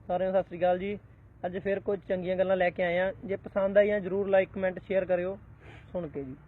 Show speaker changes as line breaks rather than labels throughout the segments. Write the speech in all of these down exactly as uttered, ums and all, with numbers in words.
ਸਾਰਿਆਂ ਨੂੰ ਸਤਿ ਸ੍ਰੀ ਅਕਾਲ ਜੀ। ਅੱਜ ਫਿਰ ਕੁਝ ਚੰਗੀਆਂ ਗੱਲਾਂ ਲੈ ਕੇ ਆਏ ਆ। ਜੇ ਪਸੰਦ ਆਈਆਂ ਜਰੂਰ ਲਾਈਕ ਕਮੈਂਟ ਸ਼ੇਅਰ ਕਰਿਓ ਸੁਣ ਕੇ ਜੀ।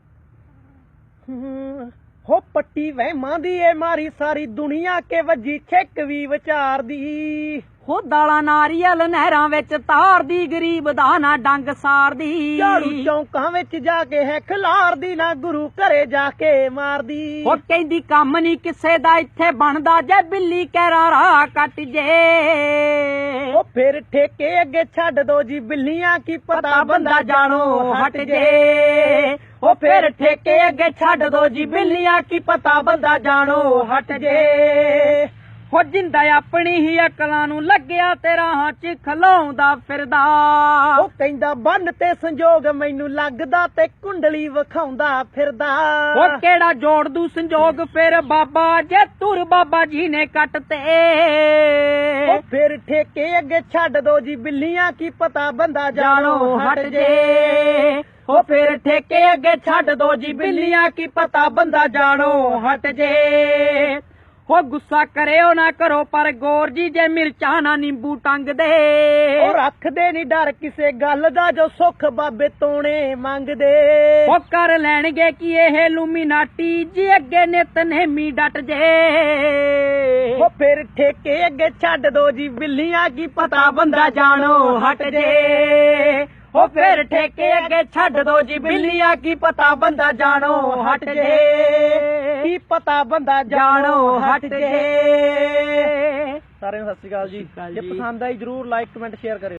ਹੋ ਪੱਟੀ ਵਹਿਮਾਂ ਦੀ ਏ ਮਾਰੀ ਸਾਰੀ ਦੁਨੀਆ ਕੇ ਵੱਜੀ ਛਿੱਕ ਵੀ ਵਿਚਾਰ ਦੀ।
ਹੋ ਦਾਲਾਂ ਨਾਰੀਅਲ ਨਹਿਰਾਂ ਵਿੱਚ ਤਾਰਦੀ, ਗਰੀਬ ਦਾ ਨਾ ਡੰਗ ਸਾਰਦੀ।
ਝਾੜੂ ਚੌਂਕਾਂ ਵਿੱਚ ਜਾ ਕੇ ਹੈ ਖਿਲਾਰਦੀ, ਨਾ ਗੁਰੂ ਘਰੇ ਜਾ ਕੇ ਮਾਰਦੀ।
ਹੋ ਕਹਿੰਦੀ ਕੰਮ ਨਹੀਂ ਕਿਸੇ ਦਾ ਇੱਥੇ ਬਣਦਾ, ਜੇ ਬਿੱਲੀ ਕਹਿਰਾ ਰਾਹ ਕੱਟ ਜੇ।
ਉਹ ਫਿਰ ਠੇਕੇ ਅੱਗੇ ਛੱਡ ਦੋ ਜੀ ਬਿੱਲੀਆਂ, ਕੀ ਪਤਾ ਬੰਦਾ ਜਾਣੋ ਹਟ ਜੇ।
ਉਹ ਫਿਰ ਠੇਕੇ ਅੱਗੇ ਛੱਡ ਦੋ ਜੀ ਬਿੱਲੀਆਂ, ਕੀ ਪਤਾ ਬੰਦਾ ਜਾਣੋ ਹਟ ਜੇ। ਹੋ ਜਿੰਦਾ ਆਪਣੀ ਹੀ ਅਕਲਾਂ ਨੂੰ ਲੱਗਿਆ ਤੇ ਰਾਹਾਂ 'ਚ ਖਲਾਉਂਦਾ ਫਿਰਦਾ।
ਉਹ ਕਹਿੰਦਾ ਬੰਨ ਤੇ ਸੰਜੋਗ ਮੈਨੂੰ ਲੱਗਦਾ, ਤੇ ਕੁੰਡਲੀ ਵਿਖਾਉਂਦਾ ਫਿਰਦਾ।
ਉਹ ਕਿਹੜਾ ਜੋੜ ਦੂ ਸੰਜੋਗ ਫਿਰ ਬਾਬਾ, ਜੇ ਤੁਰ ਬਾਬਾ ਜੀ ਨੇ ਕੱਟ ਤੇ।
ਉਹ ਫਿਰ ਠੇਕੇ ਅੱਗੇ ਛੱਡ ਦੋ ਜੀ ਬਿੱਲੀਆਂ, ਕੀ ਪਤਾ ਬੰਦਾ ਜਾਣੋ ਹਟ ਜੇ।
ਉਹ ਫਿਰ ਠੇਕੇ ਅੱਗੇ ਛੱਡ ਦੋ ਜੀ ਬਿੱਲੀਆਂ, ਕੀ ਪਤਾ ਬੰਦਾ ਜਾਣੋ ਹਟ ਜੇ। ਉਹ ਗੁੱਸਾ ਕਰਿਓ ਨਾ ਕਰੋ ਪਰ ਗੌਰ ਜੀ, ਜੇ ਮਿਰਚਾਂ ਨਾ ਨਿੰਬੂ ਟੰਗਦੇ।
ਉਹ ਰੱਖਦੇ ਨੀ ਡਰ ਕਿਸੇ ਗੱਲ ਦਾ, ਜੋ ਸੁੱਖ ਬਾਬੇ ਤੋਣੇ ਮੰਗਦੇ।
ਉਹ ਕਰ ਲੈਣਗੇ ਕੀ ਇਹ ਲੂਮੀਨਾਟੀ, ਜੀ ਅੱਗੇ ਨਿਤਨੇਮੀ ਡਟ ਜੇ।
ਉਹ ਫਿਰ ਠੇਕੇ ਅੱਗੇ ਛੱਡ ਦੋ ਜੀ ਬਿੱਲੀਆਂ, ਕੀ ਪਤਾ ਬੰਦਾ ਜਾਣੋ ਹਟ ਜੇ।
ਉਹ ਫਿਰ ਠੇਕੇ ਅੱਗੇ ਛੱਡ ਦੋ ਜੀ ਬਿੱਲੀਆਂ, ਕੀ ਪਤਾ ਬੰਦਾ ਜਾਣੋ ਹਟ ਜੇ।
ਕੀ ਪਤਾ ਬੰਦਾ
ਜਾਣੋ ਹਟ ਜੇ।
ਸਾਰਿਆਂ ਨੂੰ ਸਤਿ ਸ੍ਰੀ ਅਕਾਲ ਜੀ। ਜੇ ਪਸੰਦ ਆਈ ਜਰੂਰ ਲਾਈਕ ਕਮੈਂਟ ਸ਼ੇਅਰ ਕਰਿਓ।